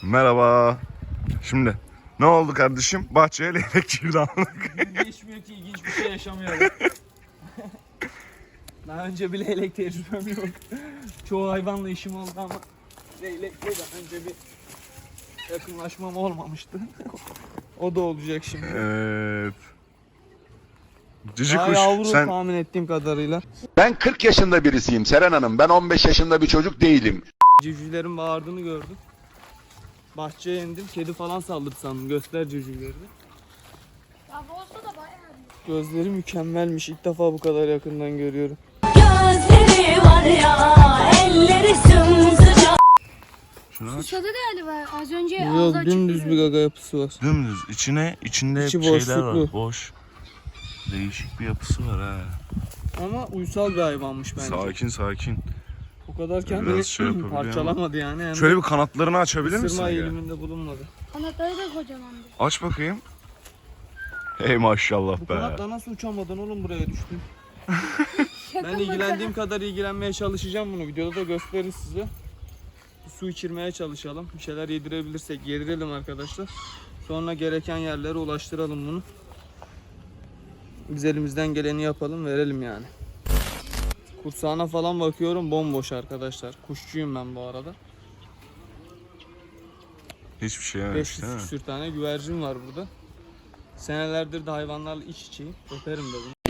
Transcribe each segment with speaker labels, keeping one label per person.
Speaker 1: Merhaba. Şimdi ne oldu kardeşim? Bahçeye leylek girdi amına.
Speaker 2: Geçmiyor ki, ilginç bir şey yaşamıyorum. Daha önce bir leylek tecrübem yok. Çoğu hayvanla işim oldu ama leylekle daha önce bir yakınlaşmam olmamıştı. O da olacak şimdi.
Speaker 1: Evet. Cici
Speaker 2: Daha
Speaker 1: kuş
Speaker 2: yavru
Speaker 1: sen
Speaker 2: tahmin ettiğim kadarıyla.
Speaker 3: Ben 40 yaşında birisiyim Seren Hanım. Ben 15 yaşında bir çocuk değilim.
Speaker 2: Civcivlerin bağırdığını gördüm. Bahçeye indim, kedi falan saldırdı sandım. Göster civcivleri.
Speaker 4: Ya bu olsa da bayağı iyi.
Speaker 2: Gözleri mükemmelmiş. İlk defa bu kadar yakından görüyorum.
Speaker 5: Gözleri var ya, elleri sımsıcak.
Speaker 1: şunu aç.
Speaker 4: Susadı galiba. Az önce
Speaker 2: Yok,
Speaker 4: ağzı açık
Speaker 2: dümdüz bir
Speaker 4: duruyordu.
Speaker 2: gaga yapısı var.
Speaker 1: Dümdüz içinde
Speaker 2: İçi
Speaker 1: şeyler
Speaker 2: boşluklu.
Speaker 1: var. Boş. Değişik bir yapısı var ha.
Speaker 2: Ama uysal bir hayvanmış bence.
Speaker 1: Sakin sakin.
Speaker 2: O kadar kendini
Speaker 1: Biraz şey yapabiliyor ama.
Speaker 2: parçalamadı yani. Hem
Speaker 1: Şöyle bir kanatlarını açabilir misin?
Speaker 2: ısırma
Speaker 1: ya?
Speaker 2: eğiliminde bulunmadı.
Speaker 4: Kanatları da kocamandı.
Speaker 1: Aç bakayım. Hey maşallah
Speaker 2: Bu
Speaker 1: be.
Speaker 2: kanatla nasıl uçamadın oğlum, buraya düştün? Ben ilgilendiğim kadar ilgilenmeye çalışacağım bunu. Videoda da gösteririz size. Su içirmeye çalışalım. Bir şeyler yedirebilirsek yedirelim arkadaşlar. Sonra gereken yerlere ulaştıralım bunu. Biz elimizden geleni yapalım, verelim yani. Kursağına falan bakıyorum, bomboş arkadaşlar. Kuşçuyum ben bu arada.
Speaker 1: Hiçbir şey yememiş
Speaker 2: 500
Speaker 1: değil mi?
Speaker 2: küsür tane güvercin var burada. Senelerdir de hayvanlarla iç içeyim. Öperim de bunu.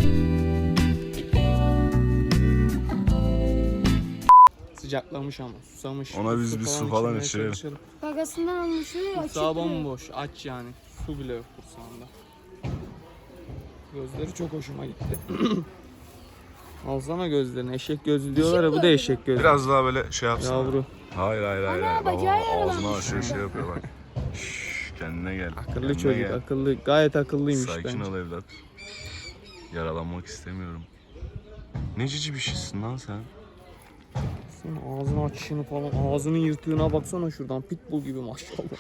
Speaker 2: Sıcaklamış ama susamış.
Speaker 1: Ona biz bir su falan
Speaker 2: içirmeye
Speaker 1: içirelim.
Speaker 2: çalışalım.
Speaker 4: Gagasından almışı açık
Speaker 2: Kursağı
Speaker 4: duruyor.
Speaker 2: bomboş, aç yani. Su bile yok kursağında. Gözleri çok hoşuma gitti. Alsana gözlerini. Eşek gözlü diyorlar ya, bu da eşek gözlü.
Speaker 1: Biraz daha böyle şey yapsana.
Speaker 2: Yavru.
Speaker 1: Hayır.
Speaker 4: Ana,
Speaker 1: Baba,
Speaker 4: bacağı
Speaker 1: ağzına
Speaker 4: yaralanmış.
Speaker 1: şey yapıyor bak. Şşş, kendine gel.
Speaker 2: Akıllı
Speaker 1: kendine
Speaker 2: çocuk,
Speaker 1: gel.
Speaker 2: akıllı. Gayet akıllıymış
Speaker 1: Sakin
Speaker 2: bence.
Speaker 1: ol evlat. Yaralanmak istemiyorum. Ne cici bir şeysin lan sen.
Speaker 2: Sen ağzını açışını falan, ağzının yırtığına baksana şuradan. Pitbull gibi maşallah.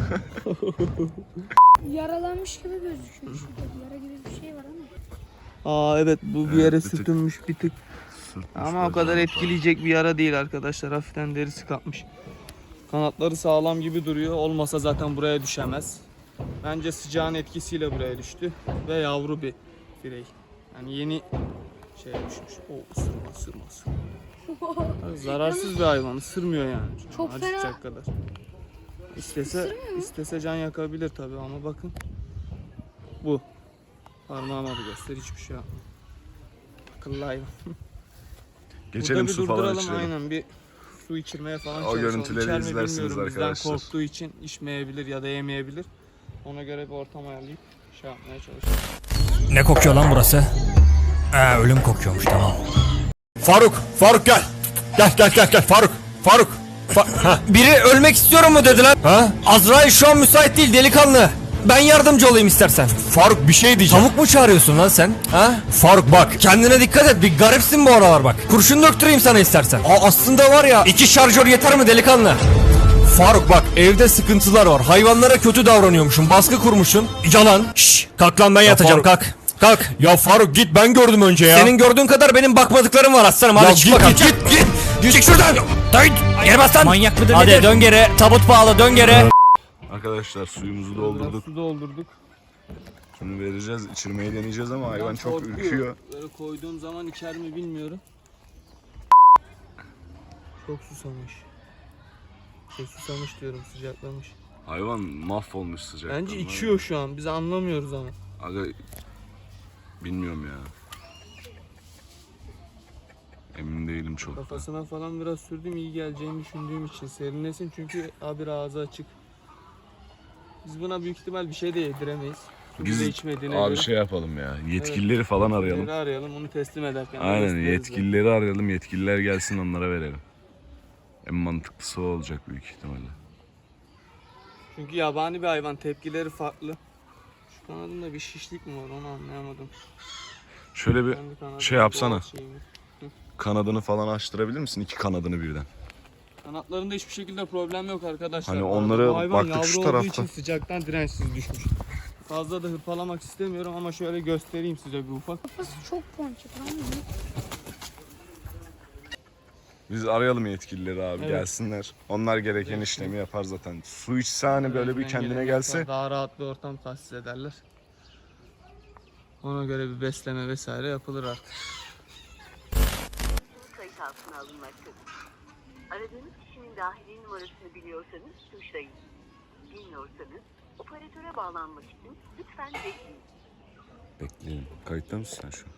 Speaker 4: Yaralanmış gibi gözüküyor. Şurada yara gibi bir şey var ama.
Speaker 2: Aa evet, bu bir yere
Speaker 1: bir tık.
Speaker 2: sürtünmüş bir tık. Ama o kadar etkileyecek bir yara değil arkadaşlar. Hafiften derisi kalkmış. Kanatları sağlam gibi duruyor. Olmasa zaten buraya düşemez. Bence sıcağın etkisiyle buraya düştü. Ve yavru bir birey. Yani yeni şeye düşmüş. O ısırma. Zararsız bir hayvan. Isırmıyor yani.
Speaker 4: Çok
Speaker 2: Acıtacak
Speaker 4: fena.
Speaker 2: kadar. İstese can yakabilir tabii ama bakın. Bu. Parmağıma da göster, hiçbir şey yapmıyor. Akıllı hayvan.
Speaker 1: Geçelim
Speaker 2: Burada bir
Speaker 1: su falan
Speaker 2: durduralım,
Speaker 1: içelim.
Speaker 2: aynen, bir su içirmeye falan
Speaker 1: O
Speaker 2: çalışalım.
Speaker 1: görüntüleri
Speaker 2: İçer mi
Speaker 1: izlersiniz
Speaker 2: bilmiyorum.
Speaker 1: arkadaşlar.
Speaker 2: Bizden korktuğu için içmeyebilir ya da yemeyebilir. Ona göre bir ortam ayarlayıp şey yapmaya çalışalım.
Speaker 6: Ne kokuyor lan burası? Ölüm kokuyormuş, tamam.
Speaker 7: Faruk gel. Gel Faruk.
Speaker 6: Biri ölmek istiyorum mu dedi lan?
Speaker 7: Ha?
Speaker 6: Azrail şu an müsait değil delikanlı. Ben yardımcı olayım istersen.
Speaker 7: Faruk bir şey diyeceğim.
Speaker 6: Tavuk mu çağırıyorsun lan sen? Ha?
Speaker 7: Faruk bak.
Speaker 6: Kendine dikkat et, bir garipsin bu aralar bak. Kurşun döktüreyim sana istersen. Aslında var ya, 2 şarjör yeter mi delikanlı?
Speaker 7: Faruk bak, evde sıkıntılar var.
Speaker 6: Hayvanlara kötü davranıyormuşsun, baskı kurmuşsun. Yalan. Şşş, kalk lan, ben yatacağım,
Speaker 7: Faruk.
Speaker 6: kalk.
Speaker 7: Ya Faruk git, ben gördüm önce ya.
Speaker 6: Senin gördüğün kadar benim bakmadıklarım var aslanım. Hadi
Speaker 7: Ya
Speaker 6: çık
Speaker 7: git,
Speaker 6: bakalım.
Speaker 7: git.
Speaker 6: Çık şuradan. Geri bas lan. Manyak mıdır? Hadi dön geri. Tabut bağla, dön geri.
Speaker 1: Arkadaşlar suyumuzu
Speaker 2: Biraz
Speaker 1: doldurduk.
Speaker 2: su doldurduk.
Speaker 1: Şimdi vereceğiz, içirmeyi deneyeceğiz ama hayvan
Speaker 2: Biraz
Speaker 1: çok
Speaker 2: korkuyor.
Speaker 1: ürküyor.
Speaker 2: Böyle koyduğum zaman içer mi bilmiyorum. Çok susamış. Susamış diyorum, sıcaklamış.
Speaker 1: Hayvan mahvolmuş sıcaktan.
Speaker 2: Bence içiyor şu an, biz anlamıyoruz ama.
Speaker 1: Aga bilmiyorum ya. Emin değilim çok.
Speaker 2: Kafasına falan biraz sürdüm, iyi geleceğini düşündüğüm için. Serinlesin çünkü abi ağzı açık. Biz buna büyük ihtimal bir şey de yediremeyiz. Su bile içmediğine
Speaker 1: abi
Speaker 2: göre.
Speaker 1: şey yapalım ya. Yetkilileri falan arayalım.
Speaker 2: Yetkilileri arayalım, onu teslim ederken. de
Speaker 1: Aynen,
Speaker 2: gösteririz de.
Speaker 1: yetkilileri arayalım. Yetkililer gelsin, onlara verelim. En mantıklısı o olacak büyük ihtimalle.
Speaker 2: Çünkü yabani bir hayvan, tepkileri farklı. Şu kanadında bir şişlik mi var, onu anlayamadım.
Speaker 1: Şöyle bir
Speaker 2: Kendi kanadı,
Speaker 1: şey yapsana.
Speaker 2: doğal şey mi?
Speaker 1: kanadını falan açtırabilir misin? 2 kanadını birden.
Speaker 2: Kanatlarında hiçbir şekilde problem yok arkadaşlar.
Speaker 1: Hani
Speaker 2: Bu arada
Speaker 1: onları
Speaker 2: bu hayvan
Speaker 1: baktık şu
Speaker 2: yavru olduğu
Speaker 1: tarafta.
Speaker 2: için sıcaktan dirençsiz düşmüş. Fazla da hırpalamak istemiyorum ama şöyle göstereyim size bir ufak.
Speaker 4: Kafası çok ponçik lan.
Speaker 1: Biz arayalım yetkilileri abi
Speaker 2: Evet.
Speaker 1: gelsinler. Onlar gereken işlemi yapar zaten. Su içse hani böyle bir
Speaker 2: Elinden
Speaker 1: kendine
Speaker 2: geleni
Speaker 1: gelse.
Speaker 2: yapar, daha rahat bir ortam tahsis ederler. Ona göre bir besleme vesaire yapılır artık.
Speaker 8: Kayıt altına alınmaktadır. Aradığınız kişinin dahili numarasını biliyorsanız tuşlayın. Bilmiyorsanız operatöre bağlanmak için lütfen bekleyin.
Speaker 1: Bekleyelim. Kayıtta mısın sen şu an?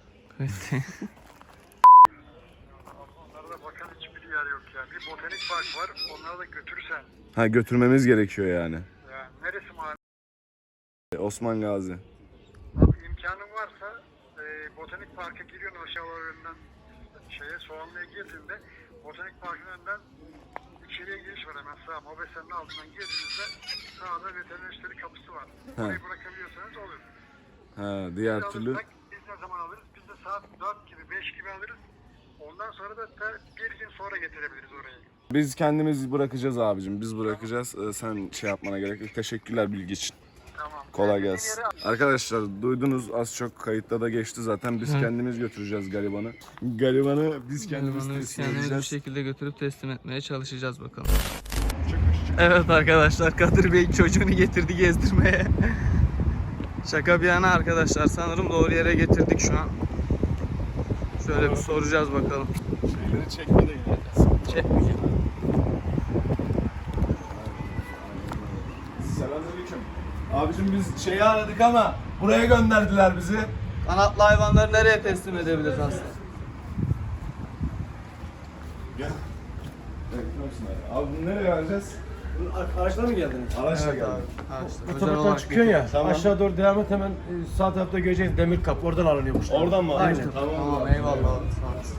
Speaker 9: Onlarda bakan hiçbir yer yok ya. Bir botanik park var. Onları da götürürsen.
Speaker 1: Ha götürmemiz gerekiyor yani.
Speaker 9: Ya neresi mahalle?
Speaker 1: Osman Gazi.
Speaker 9: Abi imkanın varsa botanik parka giriyorsun aşağılar önünden Soğanlı'ya girdiğinde botanik parkın önünden içeriye giriş var hemen sağ mobesenin altından girdiğinizde sağda veteriner işleri kapısı var. Orayı bırakabiliyorsanız olur.
Speaker 1: Ha diğer
Speaker 9: Biz
Speaker 1: türlü.
Speaker 9: alırsak biz ne zaman alırız? Biz de saat 4 gibi 5 gibi alırız. Ondan sonra da bir gün sonra getirebiliriz orayı.
Speaker 1: Biz kendimiz bırakacağız abicim. Biz bırakacağız. Sen şey yapmana gerek yok. Teşekkürler bilgi için.
Speaker 9: Tamam.
Speaker 1: Kolay
Speaker 9: Dediğim
Speaker 1: gelsin.
Speaker 9: yere-
Speaker 1: Arkadaşlar duydunuz az çok kayıtta da geçti zaten. Biz kendimiz götüreceğiz garibanı. Garibanı biz kendimiz
Speaker 2: Bunu biz
Speaker 1: teslim
Speaker 2: kendimiz bir
Speaker 1: edeceğiz.
Speaker 2: şekilde götürüp teslim etmeye çalışacağız bakalım. Evet arkadaşlar, Kadir Bey çocuğunu getirdi gezdirmeye. Şaka bir yana arkadaşlar, sanırım doğru yere getirdik şu an. Şöyle bir soracağız bakalım.
Speaker 1: Şeyleri çekme de yine.
Speaker 2: Çekmeyeceğim.
Speaker 1: Selamünaleyküm. Abicim biz şeyi aradık ama buraya gönderdiler bizi.
Speaker 2: Kanatlı hayvanları nereye teslim edebiliriz aslında?
Speaker 1: Gel. Abi bunu nereye vereceğiz?
Speaker 10: Araçla mı geldiniz?
Speaker 1: Araçla geldik.
Speaker 10: Otoparktan çıkıyorsun ya. Aşağı doğru devam et hemen sağ tarafta göreceğiz demir kapı. Oradan alınıyormuş.
Speaker 1: Oradan mı alacağız?
Speaker 10: Aynen.
Speaker 2: Tamam eyvallah abi, sağ olasın.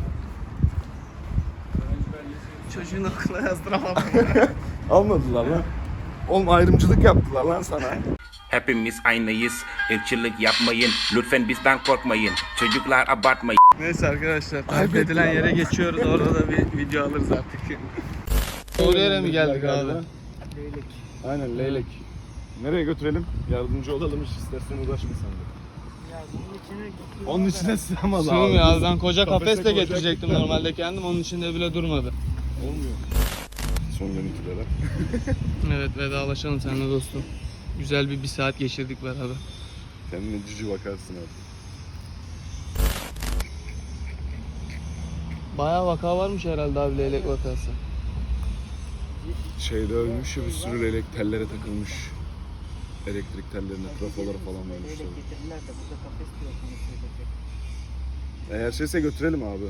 Speaker 2: Çocuğun okula yazdıramadım.
Speaker 1: Almadılar lan. Oğlum ayrımcılık yaptılar lan sana.
Speaker 11: Hepimiz aynıyız, ırkçılık yapmayın, lütfen bizden korkmayın, çocuklar abartmayın.
Speaker 2: Neyse arkadaşlar, tarif edilen yere geçiyoruz. Orada da bir video alırız artık. Doğru yere mi geldik abi?
Speaker 1: Leylek. Aynen leylek. Nereye götürelim? Yardımcı olalım hiç istersen uğraşma sen de. Onun içine sığamaz abi.
Speaker 2: Sığmıyor abi, ben koca
Speaker 1: Kafese
Speaker 2: kafesle
Speaker 1: koyacaktık
Speaker 2: getirecektim
Speaker 1: da.
Speaker 2: normalde kendim, onun içinde bile durmadı.
Speaker 1: Olmuyor. Son görüntülere.
Speaker 2: Evet, vedalaşalım seninle dostum. Güzel bir saat geçirdik beraber.
Speaker 1: Kendine cici bakarsın abi.
Speaker 2: Bayağı vaka varmış herhalde abi, leylek vakası.
Speaker 1: Şeyde ölmüş ya bir sürü leylek tellere takılmış. Elektrik tellerine, trafolara falan vermişler. Eğer şeyse götürelim abi.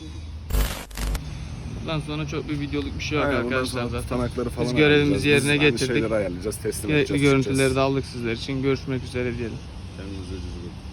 Speaker 2: Bundan sonra çok bir videoluk bir şey yok
Speaker 1: Aynen, bundan
Speaker 2: arkadaşlar
Speaker 1: sonra
Speaker 2: zaten.
Speaker 1: tutanakları falan
Speaker 2: Biz görevimizi
Speaker 1: ayarlayacağız.
Speaker 2: yerine
Speaker 1: Biz aynı
Speaker 2: getirdik.
Speaker 1: şeyleri ayarlayacağız, teslim
Speaker 2: Gerekli
Speaker 1: edeceğiz.
Speaker 2: görüntüleri
Speaker 1: çıkacağız.
Speaker 2: de aldık sizler için. Görüşmek üzere diyelim.
Speaker 1: Kendinize cici bakın.